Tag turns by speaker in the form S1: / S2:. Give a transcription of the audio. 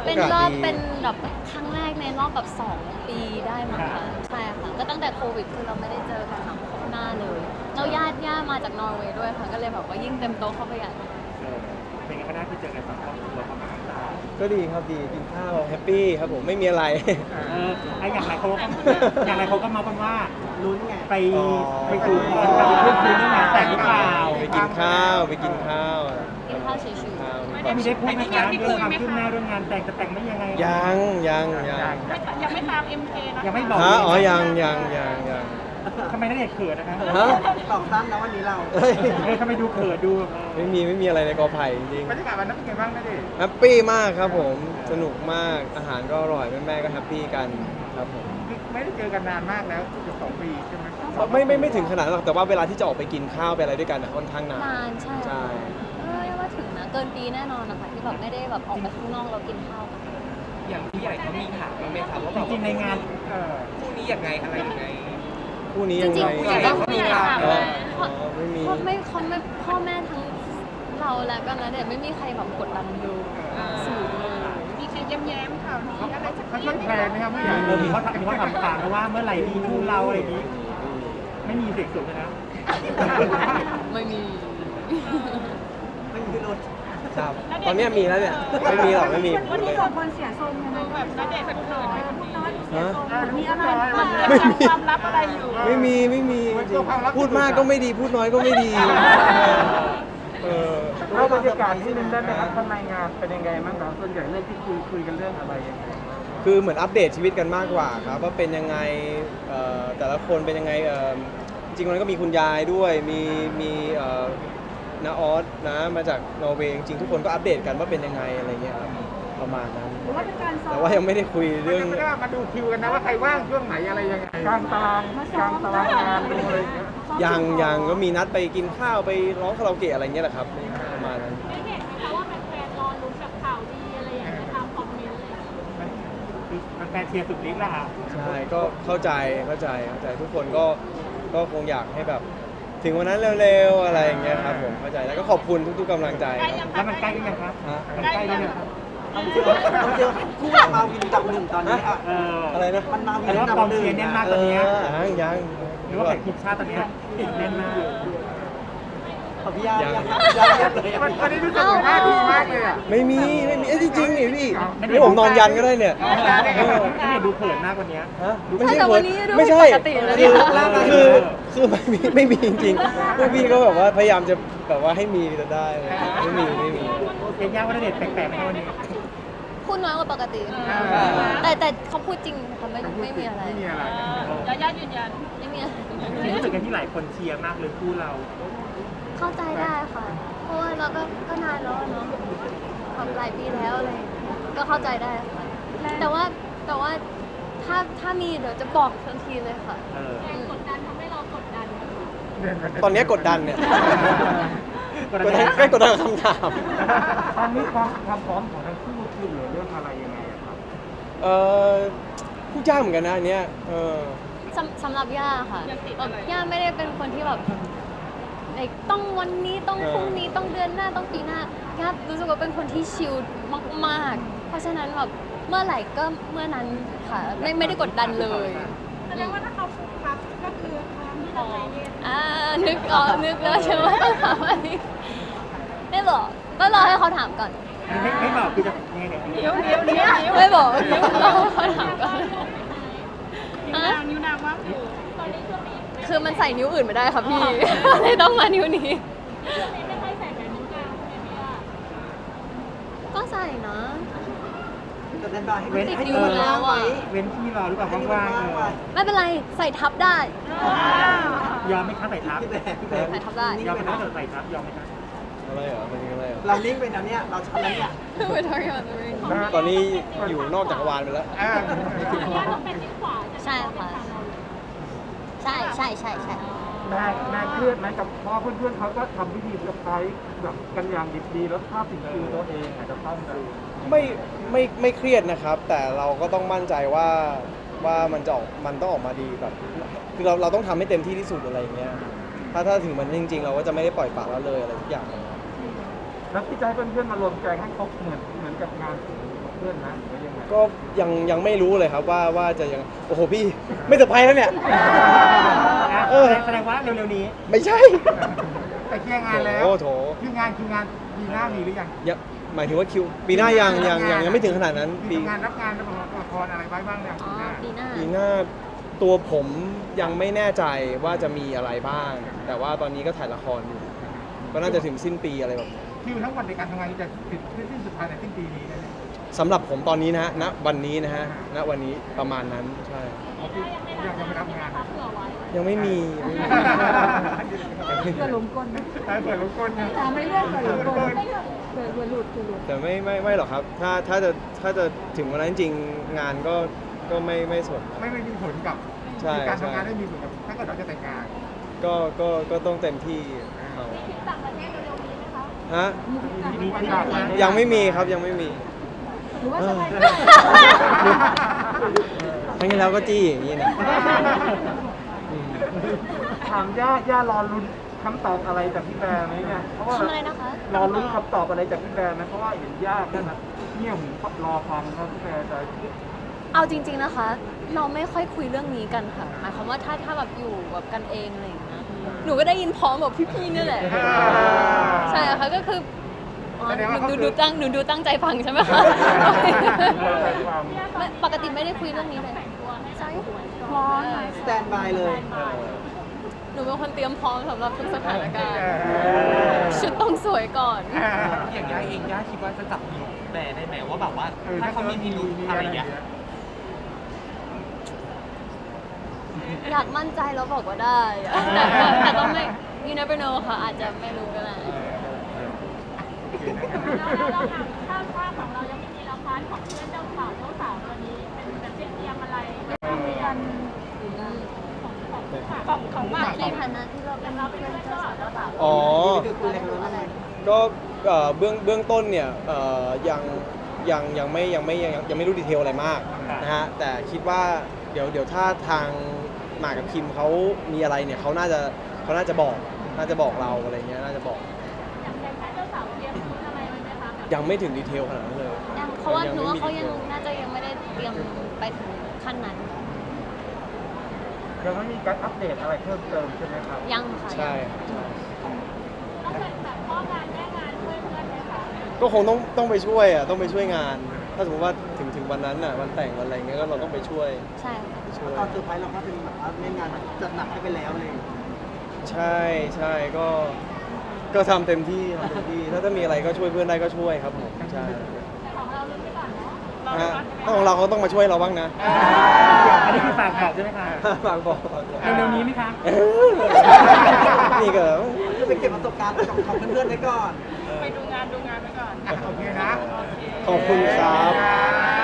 S1: เป็นรอบเป็นแบบครั้งแรกในรอบแบบ2 ปีได้มั้งคะใช่ค่ะก็ตั้งแต่โควิดคือเราไม่ได้เจอกันหน้าเลยแล้วญาติมาจากนอร์เวย์ด้วยค่ะก็เลยแบบว่ายิ่งเต็มโต๊ะเข้าไปใหญ่
S2: เป็นไงก็ได้ที่เจอกันสองครอบครัวประมาณนั้น
S3: ก็ดีครับดีกินข้าวแฮปปี้ครับผมไม่มีอะไร
S2: ไอ้อย่างไรเขาก็มากันว่า
S4: ลุ้นไง
S2: ไปสู่ขอกันเพื่อนคืนเรื่องงานแต่งหรือเปล่า
S3: ไปกินข้าวไปกินข้าว
S1: กินข้าวเฉย
S3: ข้าว
S2: ไม่ได้พูดนะคะเรื่องความคืบหน้าเรื่องงานแต่งจะแต่งไม่ยังไง
S3: ยัง
S5: ยังไม่ตาม MK นะ
S2: ยังไม่บอก
S3: ฮะอ๋อยัง
S2: ทำไมนักเดทเขินนะคะ
S3: ฮะ
S4: ตอบสั้นนะวันนี้เรา
S3: เฮ้ย
S2: ทำไมดูเขินดู
S3: ไม่มีอะไรในกอไผ่จริง
S2: บรรยากาศวันนั้นเป็นไงบ้างนักเดท
S3: แฮปปี้มากครับผมสนุกมากอาหารก็อร่อยแม่ๆก็แฮปปี้กันครับผม
S2: ไม่ได้เจอกันนานมากแล้วเกือบ2 ปีใช่ไหม
S3: ไม่ถึงขนาดนั้นหรอกแต่ว่าเวลาที่จะออกไปกินข้าวไปอะไรด้วยกันนะค่อนข้างนาน
S1: ๆนานใช่
S3: ใช่
S1: ว่าถึงนะเกินปีแน่นอนนะคะที่แบบไม่ได้แบบออกไปข้างนอกเรากินข้าวกัน
S6: อย่างผู้ใหญ่เขามีถามบ้างไหมครับว่า
S2: จริงๆในงาน
S6: คู่นี้ยังไงอะไรยังไง
S3: คู่นี้
S1: จ
S3: ยัง
S1: ริง
S3: ไง
S1: ๆ
S6: ผู้ใหญ่เขามีถาม
S3: อ๋อ
S6: ไหม
S3: ไม่มี
S1: เขาไม่พ่อแม่ทั้งเราและก็นะเด็กไม่มีใครแบบกดดันดูสื่อเลย
S5: มีใครแย้มๆข่าวนี้อะไรสัก
S2: เขา
S5: นิ
S2: ช่วย
S5: ด
S2: แพลนไหมครับผู้ใหญ่เขาทำตามเพราะว่าเมื่อไหร่มีคู่เราอะไรอย่างนี้ ไม่มีเด็กสุดนะ
S1: ไม่มี
S4: ไม่มีรถ
S3: ครับตอนเนี้ยมีแล้วเนี่ยไม่มีหรอกไม่มี
S5: วันนี้สองคนเสียทรงยังไงแบบณเดชน์เป็นเขินไหมคนนี้
S3: ฮะ
S5: มีอะไร
S3: ไม่มี
S5: ความลับอะไรอยู่
S3: ไม่มีจริงพูดมากก็ไม่ดีพูดน้อยก็ไม่ดีเออ
S2: แล้วบรรยากาศที่นึงได้ไหมครับข้างในงานเป็นยังไงบ้างครับส่วนใหญ่เรื่องที่คุยกันเรื่องอะไรยังไง
S3: คือเหมือนอัปเดตชีวิตกันมากกว่าครับว่าเป็นยังไงแต่ละคนเป็นยังไงจริงๆมันก็มีคุณยายด้วยมีน้าออสนะมาจากนอร์เวย์จริงๆทุกคนก็อัปเดตกันว่าเป็นยังไงอะไรเงี้ยครับประมาณนั้น
S5: หรือว่าเป็นการซ้อ
S3: แต่
S5: ม
S3: ว่ายังไม่ได้คุยเรื่อง
S2: ไม่ได้มาดูคิวกันนะว่าใครว่างช่วงไหนอะไรยังไงกลางตารางงานดูอะไรอย่างเงี้ย
S3: ยังก็มีนัดไปกินข้าวไปร้องคาราโอเกะอะไรเงี้ยแหละครับประมาณนั้น
S5: ได้เห็นไหมคะว่าแฟนๆรอลุ้นกับข่าวดีอะไรอย่างเงี้ยตามคอมเมนต์เลย
S2: มันแฟนเชียร์สุดฤทธิ์ละค่ะ
S3: ใช่ก็เข้าใจทุกคนก็คงอยากให้แบบถึงวันนั้นเร็วๆอะไรอย่างเงี้ยครับผมเข้าใจแล้วก็ขอบคุณทุกๆกำลังใจครับ
S2: แล้วมันใกล้หรือยังครับ
S3: ฮะ
S2: มันใกล้หรือยัง
S4: ต้องเจอคู่มาวินกับหนึ่งตอนนี้อ่ะ
S3: อะไรนะ
S4: มันมาวิ
S2: แต่
S4: น
S2: ว่า
S4: กับ
S2: กอง
S4: หนึ่ง
S2: เชียร์แน่นมากตอนนี้
S3: ยัง
S2: หรือว่าแข่งทีมชาติตอนนี้แน่นมาก
S4: ของพี่ยา
S3: ยัง
S4: เลย
S2: วันนี้รู้สึกว่าดีมากเลยอ่ะ
S3: ไม่มีเอ้ยจริงๆนี่พี่นี่ผมนอนยันก็ได้เนี่ย
S2: นี่ดูเขินมากวันนี้
S3: ฮะ
S1: ใช่แต่วันนี้ดู
S3: ไม่ใช่
S1: ปกติเลยเนี่ย
S3: คือไม่มีจริงๆพวกพี่ก็แบบว่าพยายามจะแบบว่าให้มีจะได้เลยไม่มี
S2: เอ็นย่าว่าเด็ดแปลกๆไหมวันนี้
S1: พูดน้อยกว่าปกติ แต่เขาพูดจริงค่ะไม่มีอะไร
S2: ไม่มีอะไร
S5: ย่ายืนยัน
S1: ไม่มีอะไร
S2: รู้สึกกันที่หลายคนเชียร์มากเลยคู่เรา
S1: เข้าใจได้ค่ะ เพราะว่าเราก็นานแล้วเนาะทำหลายปีแล้วอะไรอย่างเลยก็เข้าใจได้ค่ะ แต่ว่าถ้ามีเดี๋ยวจะบอกทันทีเลยค่ะ
S5: กดดันทำให้เรากดดัน
S3: ตอนนี้กดดันเนี่ยกดดันกับคำถาม
S2: ตอนนี้ความพร้อมของทั้งคู่คือเหลือเรื่องอะไรยังไงครับ
S3: พูดยากเหมือนกันนะอันเนี้ย
S1: สำหรับย่าค่ะแบบย่าไม่ได้เป็นคนที่แบบต้องวันนี้ต้องพรุ่งนี้ต้องเดือนหน้าต้องปีหน้าย่ารู้สึกว่าเป็นคนที่ชิลมากๆ เพราะฉะนั้นแบบเมื่อไหร่ก็เมื่อนั้นค่ะไม่ได้กดดันเลย
S5: แสดงว่าถ้าเขาฟูครับก็คือพร้อมที่จะใจเย็น
S1: นึกแล้วใช่ไหมต้องถามอันนี้ไม่บอกก็รอให้เขาถามก่อน
S2: ไม่บอกคือจะยังไงเนี่ย
S5: เดี๋ยว
S1: ไม่บอกรอให้เขาถามก่อน
S5: นิ้วนางว่างอยู่ตอนนี้ช่วงนี้
S1: คือมันใส่นิ้วอื่นไม่ได้ค่ะพี่ เลยต้องมานิ้วนี้
S5: ช่วงนี้ไม่ค่อยใส่แหวนนิ้วกลางใช่ไหมพี่ย่า
S1: ก็ใส่นะ
S4: จะเดินบายให้
S2: เว้น
S1: ติด
S2: ให้
S1: นิ้วแล้วอะ
S2: เว้นที่รอหรือเปล่าว่างๆ
S1: ไม่เป็นไรใส่ทับได้
S2: ยอมไหมคะใส่ทับ
S4: พี่แบงพี่แบง
S1: ใส่ทับได้
S2: ยอมไหมคะใส่ทับยอมไหมคะ
S3: อะไรเหรอเป็นอะไรเหรอ
S4: เรานิ่งไปนะเนี่ยเราชันแล้วเนี่ย
S1: We're talking about the ring
S3: ตอนนี้อยู่นอกจักรวาลไปแล้ว
S5: ย่าต้องเป็นนิ้วขวา
S1: ใช่ค่ะใช่
S2: แม่เครียดไหมกับพอเพื่อนๆเขาก็ทำพิธีกับใครแบบกันอย่างดิบดีแล้วภาพสิ่งคือตัวเองอาจจะต้องดู
S3: ไม่เครียดนะครับ แต่เราก็ต้องมั่นใจว่ามันต้องออกมาดีแบบคือเราต้องทำให้เต็มที่ที่สุดอะไรอย่างเงี้ยถ้าถึงมันจริงๆ เราก็จะไม่ได้ปล่อยปละละเลยอะไรทุกอย่าง
S2: แล้วที่จะให้เพื่อนๆมารวมใจให้ครบเหมือนกับงานเพื่อนนะหรือยังไง
S3: ก็ยังไม่รู้เลยครับว่าจะยังโอ้โหพี่ไม่เซอร์ไพรส์แล้วเนี่ย
S4: แสดงว่าเร็วๆนี้
S3: ไม่ใช่
S2: แต่เคลียร์งานแล้ว
S3: โอ้โถ
S2: คิวงานปีหน้ามีหรือยัง
S3: ยังหมายถึงว่าคิวปีหน้ายังไม่ถึงขนาดนั้น
S2: มี
S3: ปี
S2: ทำงานรับงานละครอะไรไว้บ้างเนี่ย
S1: อ๋อ ปีหน้า
S3: ปีหน้าตัวผมยังไม่แน่ใจว่าจะมีอะไรบ้าง แต่ว่าตอนนี้ก็ถ่ายละครอยู่ ก็น่าจะถึงสิ้นปีอะไรแบบนี้
S2: คิวทั้งวันในการทำงานจะสิ้นสุดท้ายในสิ้นปีนี้นะเนี่ย
S3: สำหรับผมตอนนี้นะณวันนี้นะฮะณวันนี้ประมาณนั้นใช่
S2: ยังไม่รับงาน
S5: เผื่อไว้
S3: ยังไม่มี
S2: เผื่อล้มก้นนะเผื่อล้มก้นนะ
S5: ไม่เลื่อนเผื่อหลุด
S3: แต่ไม่หรอกครับ ถ้าจะถึงวันนั้นจริงๆงานก็ไม่สน
S2: ไม่มีผลกับ
S3: ใช่
S2: การทำงานไม่มีผลกับถ้าเกิดเราจะแต่งงาน
S3: ก็ต้องเต็มที่เอา
S5: ทริปต่างประเทศเร็วๆนี้ไหมคะ
S3: ฮะ
S2: มีปัญหาไหม
S3: ยังไม่มีครับยังไม่มี
S5: หรือว่าจะไป
S3: ครั้งที่แล้วก็จี้อย่างนี้นะอืม
S2: ถามย่ารอลุ้นคำตอบอะไรจากพี่แบร์ไหมเนี่ยเพราะว่า
S1: ทำอะไรนะคะ
S2: รอลุ้นคำตอบอะไรจากพี่แบร์ไหมเพราะว่าเห็นย่าแค่นั้นเงี่ยหูรอฟังครับพี่แบร์จะ
S1: เอาจริง ๆนะคะ เราไม่ค่อยคุยเรื่องนี้กันค่ะ หมายความว่าถ้าแบบอยู่แบบกันเองอะไรอย่างเงี้ย หนูก็ได้ยินพร้อมแบบพี่ๆนี่แหละ ใช่ค่ะก็คืออ๋อหนูดูตั้งใจฟังใช่ไหมคะ ไม่ปกติไม่ได้คุยเรื่องนี้เลยใช่พร้อม
S4: สแตนบายเลย
S1: หนูเป็นคนเตรียมพร้อมสำหรับทุกสถานการณ์ ชุดต้องสวยก่อน
S6: อย่างย่าเองย่าคิดว่าจะจับผิดแบร์ได้ไหมว่าแบบว่าถ้าเขามีพิรุธอะไรอย่างเงี้ย
S1: อยากมั่นใจแล้วบอกว่าได้อะแต่ก็ไม่ you never know ค่ะ อาจจะไม่รู้ก็ได้
S5: เราถามถ้าว่าของเรายังไม่มีละครของเพื่อนเจ้าสาวตัวนี้เป็นแบบเตรียมอะไรเรียนของบ้าน
S1: ในฐานะที่เราเป็นเพื่อนเจ้าสาวเจ้าสาว
S3: อ๋อ
S1: อะไร
S3: ก็เบื้องต้นเนี่ยยังไม่รู้ดีเทลอะไรมากนะฮะแต่คิดว่าเดี๋ยวถ้าทางหมากกับคิมเขามีอะไรเนี่ยเขาน่าจะบอกเราอะไรเงี้ยน่าจะบอก
S5: อย่างแค่เจ้าสาวเตรียมชุดอะไรไว้ไหมคะ
S3: ยังไม่ถึงดีเทลขนาดนั้นเลย
S1: ยังเพราะว่าหนูว่าเขายัง
S3: ไม่มีดีทล
S1: น่าจะยังไม่ได้เตรียมไปถึงขั้นนั้น
S2: ยังไม่มีการอัปเดตอะไรเพิ่มเติมใช่ไหมครับ
S1: ยังค่ะ
S3: ใช่
S5: ต้องเป็นแบบพ่องานแม่งานช่วยเพื่อนไหมคะ
S3: ก็คงต้องไปช่วยอ่ะต้องไปช่วยงาน ถ้าสมมติว่าถึงวันนั้นอ่ะวันแต่งวันอะไรเงี้ยก็เราต้องไปช่วย
S1: ใช่ค่ะ
S3: ไปช่วย
S4: ตอนเซอร์ไพรส์เราก็เป็นแบบว่าแม่งานจัดหนักให้ไปแล้วเลย
S3: ใช่ก็ทำเต็มที่ถ้ามีอะไรก็ช่วยเพื่อนได้ก็ช่วยครับผมใช่
S5: แต่ของเราลุ้นไปก่อนเนาะ
S3: ฮะถ้าของเราเขาต้องมาช่วยเราบ้างนะ
S4: อันนี้คือฝากบอกใช่ไหมคะ
S3: ฝากบอก
S4: เร็วๆนี้ไหมคะ
S3: นี่ก็
S4: ไปเก็บประสบการณ์ของเพื่อนๆไว้ก่อน
S5: ไปดูงานไปก่อน
S2: โอเคนะ
S3: ขอบคุณครับ
S2: ขอบคุณ